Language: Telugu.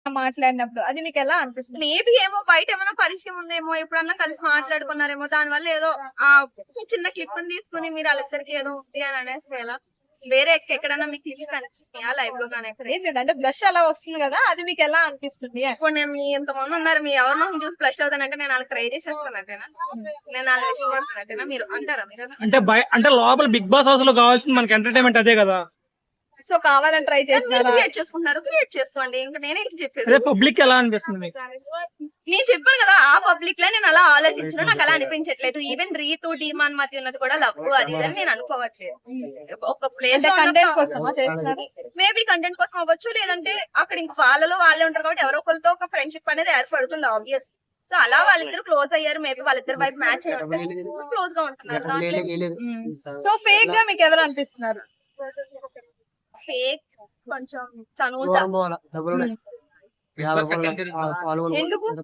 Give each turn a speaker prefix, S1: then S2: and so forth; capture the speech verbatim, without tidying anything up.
S1: మాట్లాడినప్పుడు అది మీకు ఎలా అనిపిస్తుంది?
S2: మేబీ ఏమో బయట ఏమైనా పరిచయం ఉందేమో, ఎప్పుడన్నా కలిసి మాట్లాడుకున్నారేమో, దాని వల్ల ఏదో ఆ చిన్న క్లిప్ తీసుకుని మీరు వాళ్ళిద్దరికి ఏదో ఉంది అని అనేస్తే ఎలా? వేరే ఎక్క- ఎక్కడన్నా మీకు క్లిప్స్ కనిపిస్తున్నాయా లైవ్ లో కానీ ఎక్కడ?
S1: ఏం లేదంటే బ్లష్ అలా వస్తుంది కదా, అది మీకు ఎలా అనిపిస్తుంది?
S2: ఇప్పుడు నేను మీ ఇంతమంది ఉన్నారు, మీ ఎవరి మొహం చూసి ఫ్లష్ అవుతానంటే నేను వాళ్ళకి ట్రై చేసేస్తానంటేనా? నేను వాళ్ళని ఇష్టపడుతున్నట్టేనా మీరు అంటారా? మీరు
S3: అంటే బయ అంటే లోపల బిగ్ బాస్ హౌస్ లో కావాల్సింది మనకి ఎంటర్టైన్మెంట్ అదే కదా.
S1: సో కావాలని ట్రై చేస్తున్నారా?
S2: క్రియేట్ చేసుకుంటున్నారు, క్రియేట్ చేసుకోండి. ఇంకా నేనే చెప్పేది.
S3: అదే పబ్లిక్ ఎలా అనిపిస్తుంది మీకు?
S2: నేను చెప్పాను కదా, ఆ పబ్లిక్ లో నేను అలా ఆలోచించను, నాకు అలా అనిపించట్లేదు. ఈవెన్ రీతు డీమాన్ మధ్య ఉన్నది కూడా లవ్ అది ఇది అని నేను అనుకోవట్లేదు. ఒక ప్లేస్
S1: కంటెంట్ కోసమా చేస్తున్నారు?
S2: మేబీ కంటెంట్ కోసం అవ్వచ్చు, లేదంటే అక్కడ ఇంక వాళ్ళలో వాళ్ళే ఉంటారు కాబట్టి ఎవరో ఒకరితో ఒక ఫ్రెండ్షిప్ అనేది ఏర్పడుతుంది ఆబ్వియస్. సో అలా వాళ్ళిద్దరు క్లోజ్ అయ్యారు, మేబీ వాళ్ళిద్దరు వైపు మ్యాచ్ అయ్యి క్లోజ్ గా ఉంటున్నారు.
S1: సో ఫేక్ గా మీకు ఎవరు అనిపిస్తున్నారు?
S2: ఫేక్ కొంచెం తనూజ.
S1: ఎందుకు?